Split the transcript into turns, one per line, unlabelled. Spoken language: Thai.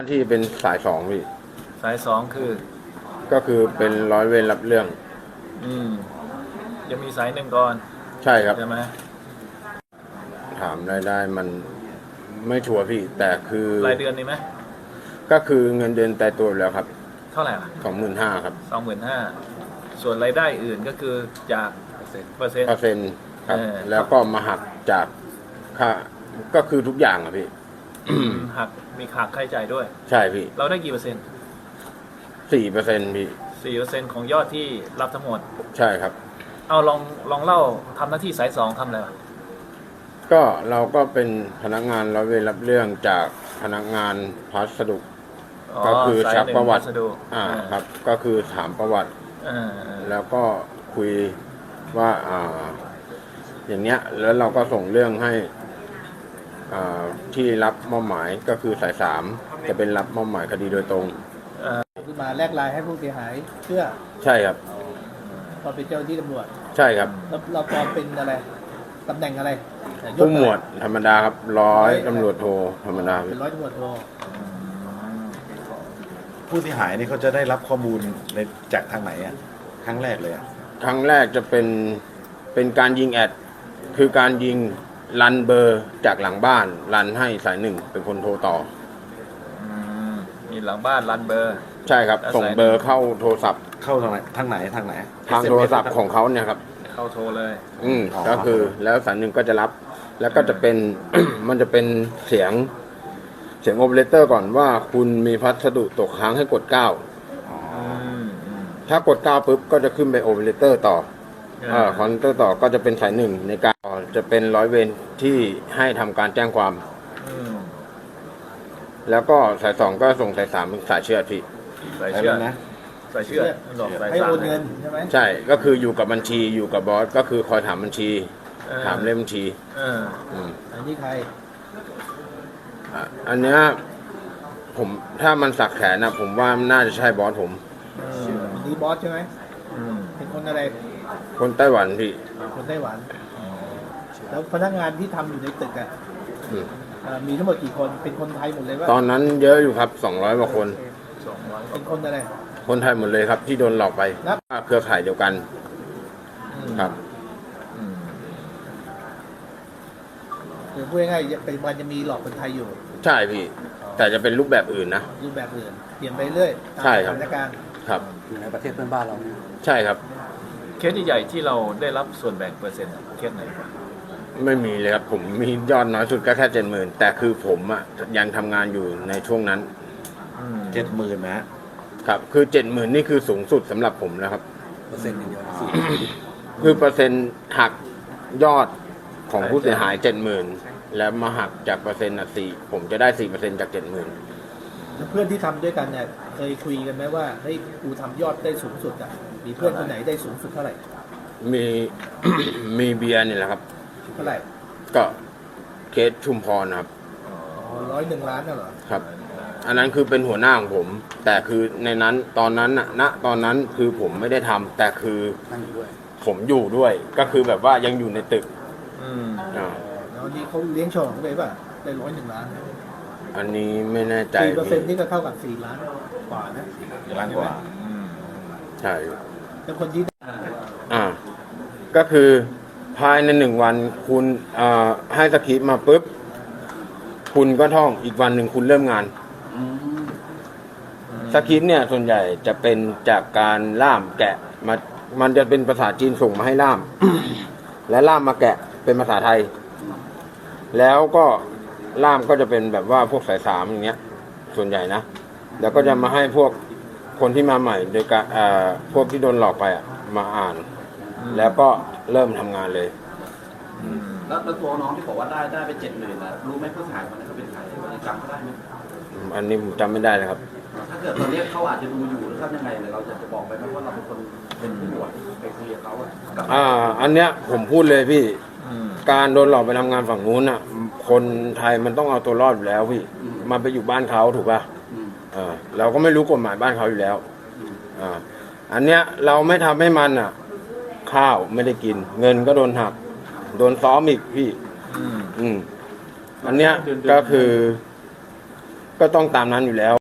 ที่เป็นสายสองพี่
สายสองคือ
ก็คือเป็นร้อยเวรรับเรื่อง
อืมยังมีสายหนึ่งก่อน
ใช่ครับ
ใช่ไหม
ถามรายได้มันไม่ชัวร์พี่แต่คือ
รายเดือนนี่ไหม
ก็คือเงินเดือนแต่ตัวอยู่แล้วครับ
เท่าไหร่ล่ะ
25,000ครับ
25,000ส่วนรายได้อื่นก็คือจากเปอร์เซ็นต์
ครับแล้วก็มาหักจากค่าก็คือทุกอย่างอะพี่
หักมีหักค่าใช้จ่ายด้วย
ใช่พี่
เราได้กี่เปอร์เซ็นต์
4%พี่
4%ของยอดที่รับทั้งหมด
ใช่ครับ
เอาลองเล่าทำหน้าที่สายสองทำอะไรวะ
ก็เราก็เป็นพนักงานร้อยเวรรับเรื่องจากพนักงานพัสดุก็คือชักประวัติครับก็คือถามประวัติแล้วก็คุยว่าอย่างเนี้ยแล้วเราก็ส่งเรื่องให้ที่รับมอบหมายก็คือสาย3จะเป็นรับมอบหมายคดีโดยตรง
คือมาแลกลายให้ผู้เสียหายเชื่อ
ใช่ครับ
ตอนเป็นเจ้าหน้าที่ตำรวจ
ใช่ครับ
แล้วเราตอนเป็นอะไรตำแหน่งอะไร
ผู้หมวดธรรมดาครับร้อยตำรวจโทธรรมดา
เป็นร้อยตำรวจโท
ผู้เสียหายนี่เขาจะได้รับข้อมูลในจากทางไหนอ่ะครั้งแรกเลยอ่ะ
ครั้งแรกจะเป็นการยิงแอดคือการยิงรันเบอร์จากหลังบ้านรันให้สาย1เป็นคนโทรต่อ
มีหลังบ้านรันเบอร์
ใช่ครับส่งเบอร์เข้าโทรศัพท์
เข้าทางไหนทาง
โทรศัพท์ของเขาเนี่ยครับ
เข้าโทรเลย
ก็คือแล้วสาย1ก็จะรับแล้วก็จะเป็น มันจะเป็นเสียงโอเปอเรเตอร์ก่อนว่าคุณมีพัสดุตกค้างให้กด9ถ้ากด9ปุ๊บก็จะขึ้นไปโอเปอเรเตอร์ต่อคอนเตอร์ต่อก็จะเป็นสาย1ในการจะเป็นร้อยเวรที่ให้ทำการแจ้งความแล้วก็สาย2ก็ส่งสาย3เป็นสายเชื่อที่
สายเชื่อนะสายเชื่อ
ให้โอนเงินใช่ไหม
ใช่ก็คืออยู่กับบัญชีอยู่กับบอสก็คือคอยถามบัญชีถามเลขบัญชี
อันนี้ใคร
อันเนี้ยผมถ้ามันสักแขนนะผมว่าน่าจะใช่บอสผม
นี่บอสใช่ไหมเป็นคนอะไร
คนไต้หวันพี่
คนไต้หวันแล้วพนักงานที่ทำอยู่ในตึกอ่ะมีทั้งหมดกี่คนเป็นคนไทยหมดเลยว่า
ตอนนั้นเยอะอยู่ครับ200กว่าคน
เป็นคนอะไร
คนไทยหมดเลยครับที่โดนหลอกไปเครือข่ายเดียวกันครับ
คือพูดง่ายๆเป็นวันจะมีหลอกคนไทยอยู่
ใช่พี่แต่จะเป็นรูปแบบอื่นนะ
รูปแบบอื่นเปลี่ยนไปเรื่อย
ใช่ครับ
สถานการณ์
ครับ
อยู่ในประเทศเพื่อนบ้านเรา
ใช่ครับ
เคสใหญ่ที่เราได้รับส่วนแบ่งเปอร์เซ็นต์เคสไหน
ไม่มีเลยครับผมมียอดน้อยสุดก็แค่70,000แต่คือผมยังทำงานอยู่ในช่วงนั้น
70,000
นะครับคือ70,000นี่คือสูงสุดสำหรับผมนะครับ
เปอร์เซ็นต์อย่างเดียว
คือเปอร์เซ็นต์หักยอดของผู้เสียหาย70,000แล้วมาหักจากเปอร์เซ็นต์4ผมจะได้4%จาก70,000
เพื่อนที่ทำด้วยกันเนี่ยเคยคุยกันไหมว่าเฮ้ยกูทำยอดได้สูงสุดมีเพื่อนคนไหนได้สูงสุดเท่าไหร่
มี มีเบียร์นี่แหละครับ
เท่าไหร่
ก็เคสชุมพรครับ
101 ล้านเหรอ
ครับอันนั้นคือเป็นหัวหน้าของผมแต่คือในนั้นตอนนั้นตอนนั้นคือผมไม่ได้ทำแต่คือผมอยู่ด้วยก็คือแบบว่ายังอยู่ในตึก
แล้วนี่เขาเลี้ยงฉลองไปป่ะได้101 ล้าน
อันนี้ไม่แน่ใจ
4%นี่ก็เท่ากับ4 ล้านกว่านะ
4 ล้านกว่า
ใช่
แล้วคนที่
ก็คือภายใน1 วันคุณให้สคริปต์มาปุ๊บคุณก็ท่องอีกวันหนึ่งคุณเริ่มงานสคริปต์เนี่ยส่วนใหญ่จะเป็นจากการล่ามแกะมันจะเป็นภาษาจีนส่งมาให้ล่าม และล่ามมาแกะเป็นภาษาไทยแล้วก็ล่ามก็จะเป็นแบบว่าพวกสาย3อย่างเงี้ยส่วนใหญ่นะแล้วก็จะมาให้พวกคนที่มาใหม่โดยการพวกที่โดนหลอกไปมาอ่านแล้วก็เริ่มทำงานเลย
แล้วตัวน้องที่บอกว่าได้ไป70,000นะรู้ไหมผู้เสียหายคนนั้นเขาเป็นใครจำเขาได้ไหม
อันนี้ผมจำไม่ได้เลยครับ
ถ้าเกิดตอนนี้เขาอาจจะดูอยู่หรือทำยังไงเราจะบอกไปไหมว่าเราเป็นคนเป็นผู้บวชไปคุยกับเขา
อันเนี้ยผมพูดเลยพี่การโดนหลอกไปทำงานฝั่งนู้นคนไทยมันต้องเอาตัวรอดอยู่แล้วพี่มันไปอยู่บ้านเขาถูกป่ะเราก็ไม่รู้กฎหมายบ้านเขาอยู่แล้วอันเนี้ยเราไม่ทำให้มันข้าวไม่ได้กินเงินก็โดนหักโดนซ้อมอีกพี่อันเนี้ยก็คือก็ต้องตามนั้นอยู่แล้ว